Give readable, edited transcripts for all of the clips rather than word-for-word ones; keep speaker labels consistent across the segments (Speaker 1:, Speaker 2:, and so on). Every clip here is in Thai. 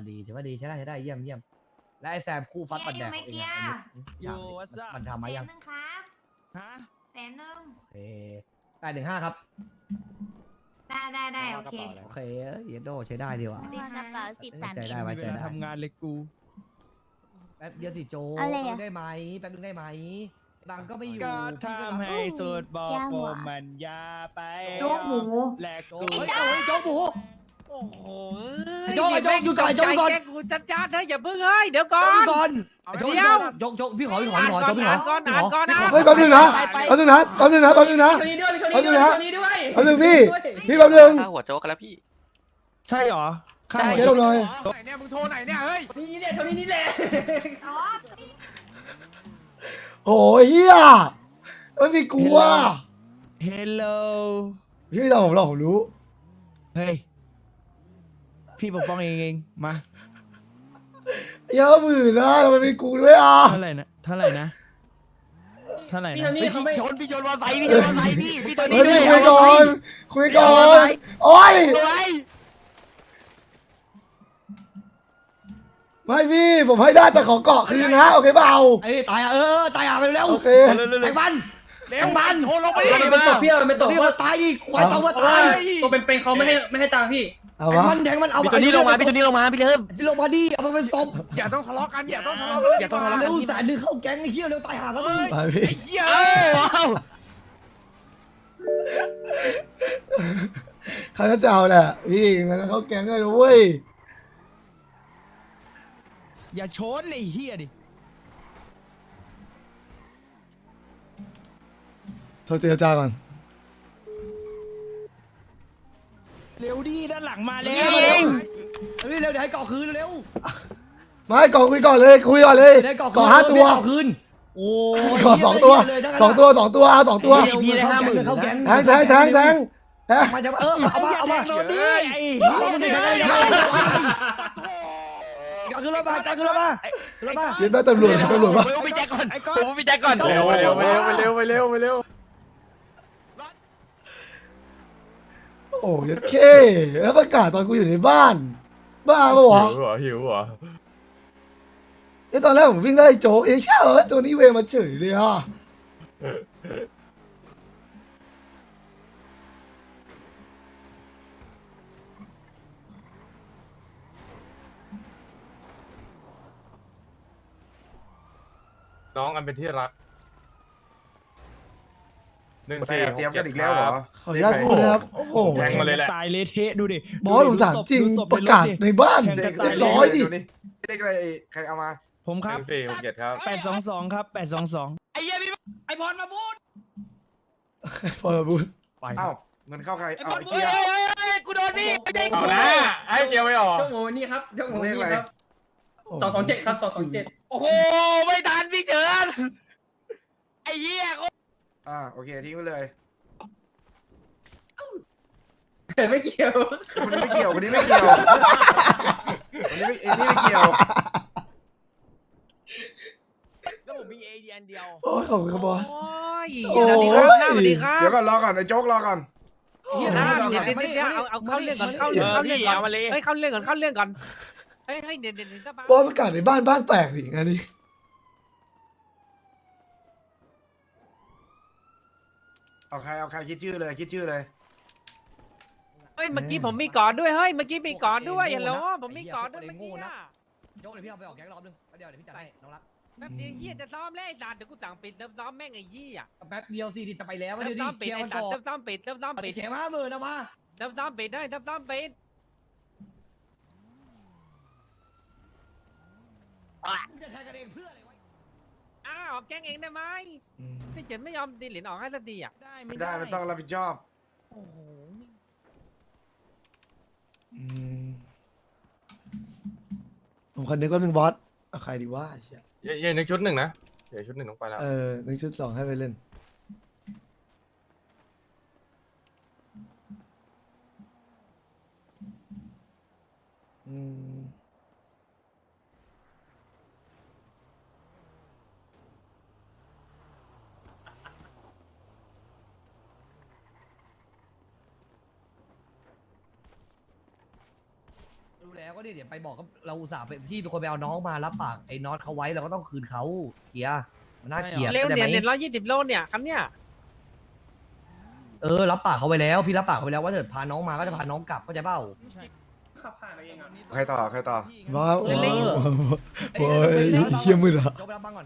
Speaker 1: ดีถือว่าดีใช้ได้เยี่ยมและไอ้แซมคู่ฟัดปันแดงของเองอย่างมันทำมายัง
Speaker 2: 100,000ครับ
Speaker 3: ฮะ
Speaker 2: 100,000
Speaker 1: โอเค815ครับ
Speaker 2: ได้โอเค
Speaker 1: โอเคเยโดใช้ได้ดีว่ะ
Speaker 2: ดี
Speaker 4: กระเป๋า13
Speaker 1: ใจ
Speaker 4: เอ็
Speaker 1: ได้
Speaker 4: ม
Speaker 1: ไว้
Speaker 3: มี
Speaker 1: ใจ
Speaker 3: เวลา
Speaker 1: ได้
Speaker 3: ทำงานเลยกู
Speaker 1: แป๊บเดียวสิโจ
Speaker 4: เอาเลย
Speaker 1: แป๊
Speaker 4: อะ
Speaker 1: บนึงได้ไหมแป๊บนึงได้ไหมบังก็ไม่อยู่
Speaker 3: ก็ทำให้สุดบอก
Speaker 4: ย่าง
Speaker 3: ผ
Speaker 4: ห
Speaker 3: ม
Speaker 4: วาน
Speaker 3: มันยาไป
Speaker 2: โจ๊กหมู
Speaker 3: แหลก
Speaker 1: โจ
Speaker 3: กู
Speaker 1: เฮ้ยโจ๊กหมู
Speaker 5: โอ้โห
Speaker 1: ไอ้โจ๊กอยู่ก่อน
Speaker 5: แกกูจัดๆนะอย่าเพิ่งเฮ้ยเดี๋ยวก่อน
Speaker 1: ก่อนโจ๊กพี่ขอโจ๊กพี่ขอ
Speaker 5: ก่อนนะ
Speaker 6: เฮ้ยแป๊บนึงนะแป๊บนึงนะแป๊บนึงนะแป๊บนึงนะ
Speaker 7: คนนี้ด้วย
Speaker 6: แป๊บนึงนะ
Speaker 7: คนนี้ด้วย
Speaker 6: แป๊บนึงพี่แป๊บนึง
Speaker 8: ข้าหัวโจ๊กกันแล้วพี่
Speaker 3: ใช่เหรอข้า
Speaker 6: เดี๋ยวหน่อย
Speaker 5: ไหนเนี่ยมึงโทรไหนเนี่ยเฮ้ย
Speaker 7: นี่เนี่ยคนนี้นี่แหละ
Speaker 2: อ๋อ
Speaker 6: โอ้ยเฮียไม่มีกลัว
Speaker 3: เฮลโล
Speaker 6: พี่ไม่ทำผมหรอกผมรู้
Speaker 3: เฮ้ย พี่ปกป้องเองมา
Speaker 6: เยอะหมื่นนะทำไมมีกูด้วยอ่ะ
Speaker 3: เท่าไหร่นะเท่าไหร่นะ
Speaker 7: พี่คนนี้เขาไม่
Speaker 5: พี่ชนมอไซค์พี่ชนมอไซค์พี่ตัวนี้
Speaker 6: เฮ้ยคุยก่อนโอ้ยไม่พี่ผมให้ได้แต่ขอเกาะคืนนะโอเคเปล่า
Speaker 1: ไอ้ตายตายไปเร็ว
Speaker 6: โอเค
Speaker 1: แทงมันแทงมัน
Speaker 5: โทรลงไปดิ
Speaker 7: มันเป็นตกพี่มันเป็นตก
Speaker 1: นี่มันตายดิควายต้องมาตาย
Speaker 7: ตัวเป็นเขาไม่ให้ตังค์พี่
Speaker 6: เอา
Speaker 1: แท
Speaker 6: วะ
Speaker 1: งมันเอา
Speaker 5: พี่ตัวนี้ลงมาพี่ตัวนี้ลงมาพี่เริ่ม
Speaker 1: ที่ลงมาดิเอามันเป็นศพ
Speaker 5: อย่าต้องทะเลาะกันอย่าต้องทะเลาะกันอย่าต้องทะเลาะกั
Speaker 1: เร็
Speaker 5: น
Speaker 1: วสายดึงเข้าแก๊งไอ้เหี้ยเร็วตายหาซะมึง
Speaker 6: ไปพี่
Speaker 5: ไอ้เหี้ยว้าว
Speaker 6: เขาจะเอาแหละพี่งั้นเขาแกงเลยนะเว้ย
Speaker 3: อย่าโชนเลยไอ้เฮียดิ
Speaker 6: โทรเจรจาก่อน
Speaker 3: เร็วดิด้านหลังมาแล้ว
Speaker 1: เร็วเดี๋ยวให้เกาะคืนเร็ว
Speaker 6: ไม่เกาะคุยก่อนเลยคุยก่อนเลย
Speaker 1: ได้เกาะ
Speaker 6: เกาะ5 ตัว
Speaker 1: คืนโอ้ย
Speaker 6: เกาะ2 ตัว2 ตัวเอา2 ตัว
Speaker 1: พี่ได้50,000เข้าแก๊ง
Speaker 6: แทง
Speaker 1: มันจะเอามา
Speaker 3: โดนดิไอ้
Speaker 1: เอามันได้กขึ้นรถมาขึ้นรถมา
Speaker 6: เย็นแม่ตำรวจปะ
Speaker 5: ไปแจ็คก่อนผมไปแจ็คก่อน
Speaker 1: เร็ว
Speaker 6: โอ้ยเคแล้วประกาศตอนกูอยู่ในบ้านบ้าปะวะ
Speaker 8: หิวเหรอ
Speaker 6: ไอ้ตอนแรกผมวิ่งได้โจ๊กใช่เหรอตัวนี้เวมาเฉยเลยอ่ะ
Speaker 8: น้องอันเป็นที่รัก1-4
Speaker 9: เตรียมกันอีกแล้วเหรอ
Speaker 6: ขออนุญาตพูดนะครับโอ้โห
Speaker 8: แทงมาเลยแหละ
Speaker 3: ตายเละเทะดูดิ
Speaker 6: บอสผมถามจริงประกาศในบ้าน
Speaker 3: แข่งกันตาย
Speaker 6: ร้อยดิ
Speaker 9: เด็กอะไรใครเอามา
Speaker 3: ผมครับ
Speaker 8: 1-4 6-7 ครับ
Speaker 3: 822ครับ822
Speaker 5: ไอ้เหี้ยพี่ไอ้พรมาบูด
Speaker 6: พอพูด
Speaker 9: เอ้าเงินเข้าใคร
Speaker 5: ไอ้
Speaker 9: เอา
Speaker 5: พร
Speaker 9: ไอ้
Speaker 5: บูด
Speaker 9: เกียร์
Speaker 5: กูโดนพี่ไม่ใช่
Speaker 8: เอา
Speaker 5: กู
Speaker 8: นะให้เจียวไม่ออก
Speaker 7: เจ้าหมูนี่ครับเจ้าหมูนี่ครับ227ครับ227
Speaker 5: โอ้โหไม่ทันพี่เฉินไอ้เหี้ย
Speaker 9: โอเคทิ้งไปเลย
Speaker 7: ไม่เกี่ยว
Speaker 9: คนนี้ไม่เกี่ยวคนนี้ไม่เกี่ยวคนนี้ไม่เกี่ยว
Speaker 5: แล้วผมมีเอเดียนเดียว
Speaker 6: โอ้ยขอบคุณครับบอส
Speaker 5: โอ้ย
Speaker 6: โอ้ย
Speaker 5: สวัสดีครับสวัสดีครับ
Speaker 9: เดี๋ยวก่อนรอก่อนไอ้โจ๊กรอก่อน
Speaker 5: เฮียนะเดี๋ยวเอาเข้าเรื่องก่อนเข้าเรื่องก่อนเฮ้ยเข้าเรื่องก่อนเฮ้ยเดี๋ยวก็บ้า
Speaker 6: บอสประกาศในบ้านแตกดิงานนี้
Speaker 9: เอาใครคิดชื่อเลยคิดชื่อเลย
Speaker 5: เฮ้ยเมื่อกี้ผมมีก่อนด้วยเฮ้ยเมื่อกี้มีก่อนด้วยฮัลโหลผมมีก่อนด้วยเมื่อกี้
Speaker 1: โจ๊กเดี๋ยวพี่เอาไปออกแก๊งรอบนึงเดี๋ยวพี่จัดให้น้องรัก
Speaker 5: แป๊บเดียวเฮียจะซ้อมแล้วไอ้สัตว์เดี๋ยวกูสั่งปิดซ้อมแม่งไอ้ยี่อ่ะ
Speaker 1: แป๊บเดียวสิจะไปแล้ว
Speaker 5: เริ่
Speaker 1: เดี๋ยวดิ
Speaker 5: มซ้อมปิด
Speaker 1: เกียร์
Speaker 5: ไอ้
Speaker 1: มัน
Speaker 5: สัต
Speaker 1: ก่
Speaker 5: ว์
Speaker 1: อน
Speaker 5: เริ่มซ้อมปิด
Speaker 1: เข็ม50,000นะมา
Speaker 5: เริ่มซ้อมปิดได้เริ่มซ้อมปิด
Speaker 1: จะแทงกันเองเพื่ออะไรวะ
Speaker 5: อ้าวแกงเองได้ไหมพี่เฉินไม่ยอมดีเหรียญออกให้สักทีอ่ะได้
Speaker 9: ไม่ได้มันต้องรับผิดชอบ
Speaker 5: โอ้โห
Speaker 6: ผมคนนึกว่าหนึ่งบอสเอาใครดีว่าเชี่ย
Speaker 8: เย็นนึกชุด 1นะเดี๋ยวชุด 1ต้องไปแล้ว
Speaker 6: หนึ่งชุด 2ให้ไปเล่น
Speaker 1: รู้แล้วแล้วก็เดี๋ยวไปบอกก็เราอุตส่าห์ไปพี่เป็นคนไปเอาน้องมารับปากไอ้น็อตเขาไว้เราก็ต้องคืนเขาเกียร์มันน่าเกลียด
Speaker 5: เร็ว
Speaker 1: ข้าใจ
Speaker 5: เนี่ย
Speaker 1: ไหม
Speaker 5: เนี่ย120 โลเนี่ยคันเนี่ย
Speaker 1: รับปากเขาไว้แล้วพี่รับปากเขาไว้แล้วว่าถ้าเกิดพาน้องมาก็จะพาน้องกลับเข้าใจเปล่า
Speaker 7: ขับผ่านไปเองอ่ะ
Speaker 9: ใครต่อใครต่อ
Speaker 6: ว้าวโอ้ยเฮียมือละ
Speaker 1: โจ๊กไปรับบ้างก่อน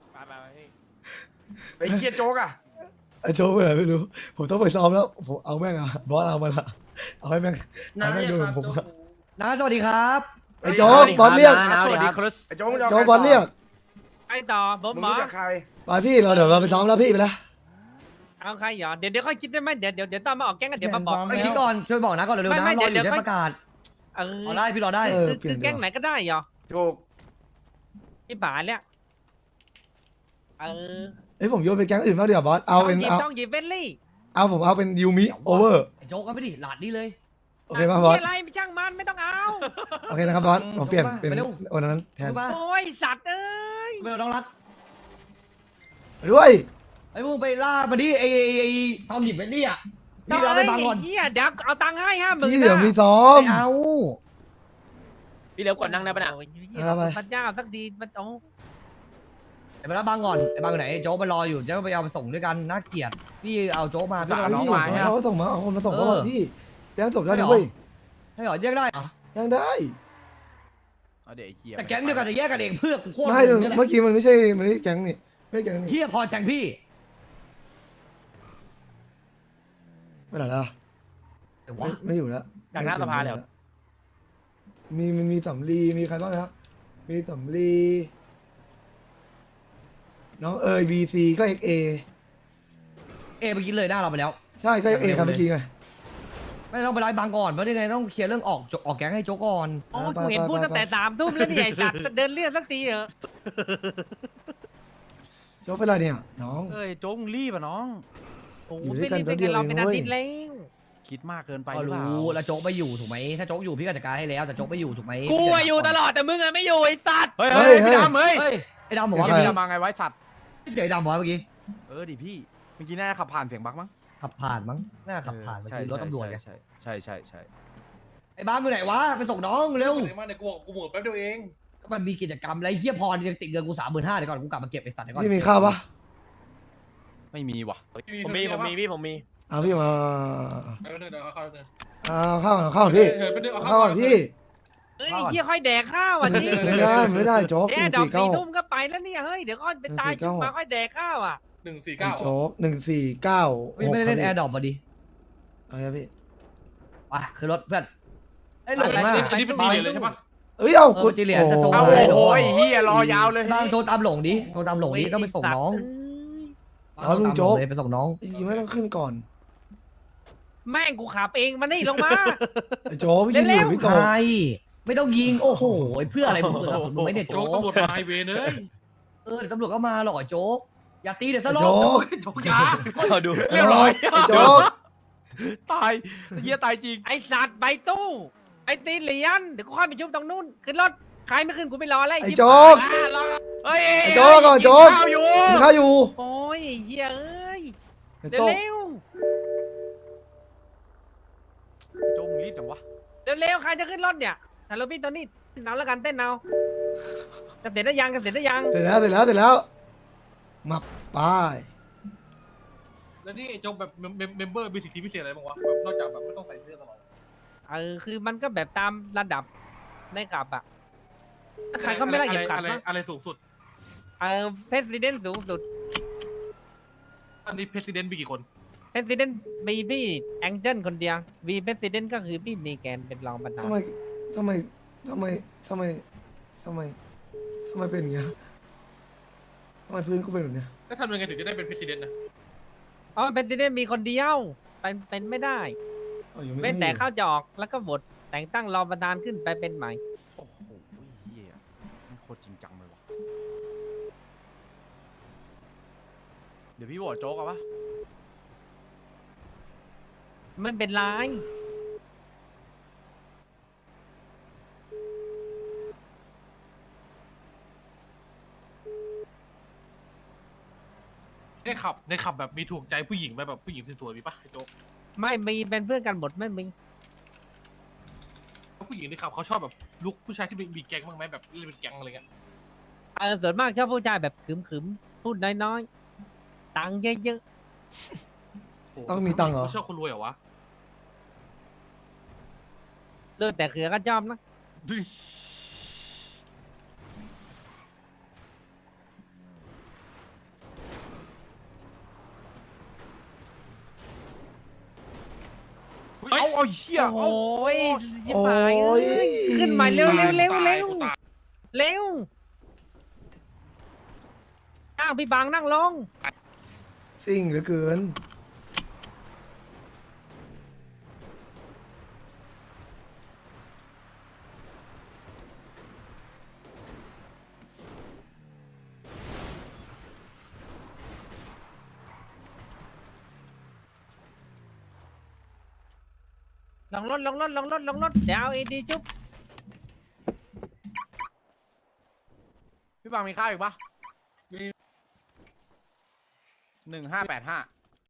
Speaker 9: ไอ้เคียโจ๊กอ่ะ
Speaker 6: ไอ้โจ๊กไปไหนไม่รู้ผมต้องไปซ้อมแล้วผมเอาแม่งอะบอสเอามาละเอาให้แม่งเอาให้แม่งดูผมอะ
Speaker 1: นะสวัสดีครับ
Speaker 6: ไอ้โจ๊กบอสเรียก
Speaker 8: สวัสดีครับ
Speaker 9: ไอ้โจ๊กมึงจะ
Speaker 6: โจ๊กบอสเรียก
Speaker 5: ไอ้ต่อเบิร์
Speaker 9: มึง
Speaker 5: หมอ
Speaker 9: รู้จักใคร
Speaker 6: ไปพี่เดี๋ยวเราไปซ้อมแล้วพี่ไปละ
Speaker 5: เอาใครเหรอเดี๋ยวค่อยคิดได้ไหมเดี๋ยวตอนมาออกแก๊งกันเดี๋ยวมาบอก
Speaker 1: ไอ้คิดก่อนช่วยบอกนะก่อนเร็วๆนะ
Speaker 5: ไม่
Speaker 1: รออ
Speaker 5: เดี๋
Speaker 1: ยู่
Speaker 5: ยว
Speaker 1: ได้
Speaker 5: ค่อย
Speaker 1: ประกาศ
Speaker 5: เออ
Speaker 1: รอได้พี่รอได้
Speaker 5: คือแก๊งไหนก็ได้เหรอ
Speaker 9: ถูก
Speaker 5: ที่ป่าเนี่ยเออ
Speaker 6: เอ้ยผมโยนไปแก๊งอื่นบ้างเดี๋ยวบอสเอาเป็นเอา
Speaker 5: ต้องหยิบเบลลี่
Speaker 6: เอาผมเอาเป็นยูมิโอเวอร์
Speaker 1: ไอ้โจ๊กก็ไม่ดิหลาดนี่เลย
Speaker 6: โอเคป่ะบอส
Speaker 5: อะไรไม่ช่างมันไม่ต้องเอา
Speaker 6: โอเคนะครับบอสผมเปลี่ยนเป็น
Speaker 1: ไปเร็ว
Speaker 6: วันนั้นแทน
Speaker 1: รู้ป่ะ
Speaker 5: โอ้ยสัตว์เอ้ย
Speaker 1: ไม่ต้องรัด
Speaker 6: ด้วย
Speaker 1: ไอ้พวกไปล่ามาดิไอ้ทอมหยิบไปดิอ่ะพี่เราไปบังก่อน
Speaker 5: เฮียเดี๋ยวเอาตังค์ให้50,000
Speaker 6: พี่เดี๋ยวมีซ้อม
Speaker 1: ไม่เอา
Speaker 5: พี่เร็วกดนั่งได้ปะน่ะ
Speaker 6: เอาไป
Speaker 5: พันยาสักดีมันโอ้
Speaker 1: ไอ้ไปรับบังก่อนไอ้บังอยู่ไหนไอ้โจ๊กไปรออยู่จะไปเอาไปส่งด้วยกันน่าเกลียดพี่เอาโจ๊กมาพี่
Speaker 6: เอา
Speaker 1: เอาน้องมา
Speaker 6: เขาส่งมาเอาคนมาส่งเขา
Speaker 1: เออ
Speaker 6: พี่แก๊งส่งได้ด้วย
Speaker 1: ให้หรอแยกได้เหรอ
Speaker 6: ยังได้
Speaker 9: เอาเดี๋ยวไอ้เคีย
Speaker 1: แต่แก๊งเดียวกันจะแยกกันเองเพื่อกูโคตร
Speaker 6: ไม่
Speaker 1: มึงนี่แหละ
Speaker 6: เมื่อกี้มันไม่ใช่แก๊งนี่ไม่ใช่แก๊งนี่
Speaker 1: เฮียพอแทงพี่
Speaker 6: ไม่ไหนแล้ว
Speaker 1: แต่ว่า
Speaker 6: ไม่อยู่แล้ว
Speaker 5: จากหน้าสภาแล้ว
Speaker 6: มีสำลีมีใครบ้างนะมีสำลีน้องเอ๋ยบีซีก็เอ็กเอ
Speaker 1: เมื่อกี้เลยหน้าเราไปแล้ว
Speaker 6: ใช่ก็เอ็กเอครับเมื่อกี้ไง
Speaker 1: ไม่ต้องไปไล่บังก่อนเพราะยังไงต้องเคลียร์เรื่องออกแก๊งให้โจ๊กก่อน
Speaker 5: โอ้กูเห็นพูดตั้งแต่3 ทุ่มแล้วเนี่ยไอ้สัตว์เดินเรียกสักทีเถอะ
Speaker 6: โจ๊กเป็นไรเนี่ยน้อง
Speaker 9: เอ้ยโจ๊กมึงรีบอ่ะน้อง
Speaker 5: โอ้
Speaker 6: อยู่ด้
Speaker 5: ไม่
Speaker 6: วยกัน
Speaker 5: รีบเป็นกันเรา
Speaker 6: แป๊บเดียว
Speaker 5: เป็นอา
Speaker 6: เอง
Speaker 5: ทิตย์แล้ว
Speaker 9: คิดมากเกินไป
Speaker 1: ก็
Speaker 9: หรือเปล่า
Speaker 1: รู้แล้วโจ๊กไม่อยู่ถูกไหมถ้าโจ๊กอยู่พี่ก็จัดการให้แล้วแต่โจ๊กไม่อยู่ถูกไหม
Speaker 5: กูอะอยู่ตลอดแต่มึงอะไม่อยู่ไอ้สัตว์
Speaker 9: เฮ้ยเฮ้ยพี่ดำเฮ้ย
Speaker 1: เฮ้ยไอ้ดำบอกว่า
Speaker 6: ใคร
Speaker 9: พี่ดำมาไงไว้สัตว์
Speaker 1: เดี๋ยวไอ้ดำบอกว่าเมื่อกี้
Speaker 9: ดิพี่เมื่อกี้น่าจะขับผ่านเสียงบักมั้ง
Speaker 1: ขับผ่านมั้งน่าขับผ่านเมื่อกี้รถตำรวจไง
Speaker 9: ใช่
Speaker 1: ไอ้บ้านอยู่ไหนวะไปส่งน้องเร็ว
Speaker 7: มาเนี่ยกูหมดแป๊บเดียวเอง
Speaker 1: ก็มันมีกิจกรรมอะไรเฮียพรยังติดเงินกู35,000เดี๋ยวก่อนกูกลับมาเก็บไอ้สัตว์เดี๋ยวก่อน
Speaker 6: พี่มีข้าวปะ
Speaker 9: ไม่มีว่ะ
Speaker 5: ผมมีพี่ผมมี
Speaker 6: เอาพี่มา
Speaker 7: เดี๋ยวเอาเข้าเดิน
Speaker 6: เอาข้าวก่อนเอาข้าวก่อนพี่
Speaker 7: เอา
Speaker 6: เอาข้าวก่อนพี่
Speaker 5: เฮ้ยไอ้เฮียค่อยแดกข้าวอ่ะนี่
Speaker 6: ไม่ได้โจ๊ก
Speaker 5: แอ
Speaker 6: หนึ่
Speaker 5: ร์
Speaker 6: ง
Speaker 5: ดอก
Speaker 6: สี่
Speaker 5: 4
Speaker 6: เก้า
Speaker 5: ทุ่มก็ไปแล้วเนี่ยเฮ้ยเดี๋ยวค่อยไปตายจุกมาค่อยแดกข้าวอ่ะ
Speaker 7: 149
Speaker 6: โจ๊ก149
Speaker 1: ไม่ได้เล่นแอร์ดรอปมาดิ
Speaker 6: เอาไงพี่
Speaker 1: ไปคือรถเพื่อนไอ้หลงอ่ะ
Speaker 7: อันนี้เป็นตีเลยใช่ปะ
Speaker 6: เอ้ยเอา
Speaker 1: กูจิเหลียนจะโทร
Speaker 9: เอา
Speaker 1: มา
Speaker 9: โอ้ยเฮียรอยาวเลย
Speaker 1: บ้างโทรตามหลงดิโทรตามหลงดิต้องไปส่งน้อง
Speaker 6: เอาลุงโจ๊ก
Speaker 1: ไปส่งน้อง
Speaker 6: จริงๆไม่ต้องขึ้นก่อน
Speaker 5: แม่งกูขับเองมานี่ลงมา
Speaker 6: ไอ้โจ๊กพี่ยิงอยู่พี่โต
Speaker 1: ใช่ไม่ต้องยิงโอ้โหเพื่ออะไรมึงเปิดกระสุนมึงไม่เนี่ย
Speaker 7: โจ๊
Speaker 1: โจ๊
Speaker 7: ก
Speaker 1: ก
Speaker 7: ตำรวจมาไฮเวย์เลย
Speaker 1: เดี๋ยวตำรวจก็มาหรอกไอ้โจ๊กอย่าตีเดี๋ยวสลบ
Speaker 6: โจ๊ก
Speaker 7: โจ๊กยา
Speaker 9: เอาดู
Speaker 6: เรียบร้อยไอ้โจ๊ก
Speaker 9: ตายเฮียตายจริง
Speaker 5: ไอสัตว์ใบตู้ไอตีเหรียญเดี๋ยวกูค่อยไปชุบตรงนู้นขึ้นรถใครไม่ขึ้นกูไม่รอแล้ว
Speaker 6: ไอ้โจ๊ก
Speaker 9: เฮ้ย
Speaker 6: ไอ้โจ๊กก่อนโจ๊ก
Speaker 9: ข้าวอยู่
Speaker 6: มีข้าวอยู่
Speaker 5: โอ้ยเฮียเอ้ย
Speaker 6: ไอ้
Speaker 5: เร็
Speaker 6: โจ๊ก
Speaker 5: ว
Speaker 9: โจ๊กมึงรีบจังวะ
Speaker 5: เร็วใครจะขึ้นรถเนี่ยฮัลโหลพี่ตอนนี้เอาแล้วกันเต้นเอาเกษตรได้ยัง
Speaker 6: เสร็จแล้วมาไป
Speaker 7: แล้วนี่ไอ้โจ๊กแบบเมมเบอร์มีสิทธิพิเศษอะไรบ้างวะแบบนอกจากแบบไม่ต้องใส่เสื้อตลอด
Speaker 5: คือมันก็แบบตามระดับในกลับอะใครก็ไม่ได้เหยียบขัดนะ
Speaker 7: อะไรสูงสุด
Speaker 5: เพรสิดเนนสูงสุด
Speaker 7: อันนี้เพรสิดเนนมีกี่คน
Speaker 5: เพรสิดเนนมีพี่แองเจิลคนเดียววีเพรสิดเนนก็คือพี่นีแกนเป็นรองประธาน
Speaker 6: ทำไมเป็นอย่างเงี้ยทำไมพื้นกูเป็นแบบเนี้ย
Speaker 7: แล้วทำยังไงถึงจะได้เป็นเพรสิดเนนนะ
Speaker 5: อ๋อเพรสิดเนนมีคนเดียวเป็นไม่ได้
Speaker 6: เอาอยู่ไม่
Speaker 5: เว้นแต่
Speaker 6: มี
Speaker 5: เข้าจะออกแล้วก็บทแต่งตั้งรองประธานขึ้นไปเป็นใหม่
Speaker 9: โอ้โหเฮียมันโคตรจริงจังเลยวะเดี๋ยวพี่บอกโจ๊กเอาปะ
Speaker 5: ไม่เป็นไร
Speaker 7: ในขับแบบมีถูกใจผู้หญิงไหมแบบผู้หญิงสวยๆมีปะไอ้โจ๊ก
Speaker 5: ไม่มีเป็นเพื่อนกันหมดไม่มี
Speaker 7: ผู้หญิงด้วยครับเขาชอบแบบลุกผู้ชายที่มีแก๊งบ้างไหมแบบเล่นเป็นแก๊งอะไรเงี้ย
Speaker 5: ส่วนมากชอบผู้ชายแบบขึมๆพูดน้อยๆตังค์เยอะ
Speaker 6: ต้องมีตังค์เหรอ
Speaker 7: ชอบคนรวยเหรอวะ
Speaker 5: ๆเลือดแต่เขือก็ชอบนะ
Speaker 9: เอาเหี้ย
Speaker 5: โอ้ยชิบหายเอ้ยขึ้นมาเร็วนั่งพี่บางนั่งลง
Speaker 6: ซิ่งเหลือเกิน
Speaker 5: ลงรถเดี๋ยวเอาเอดีจุ๊บ
Speaker 9: พี่บางมีข้าวอีกปะ1585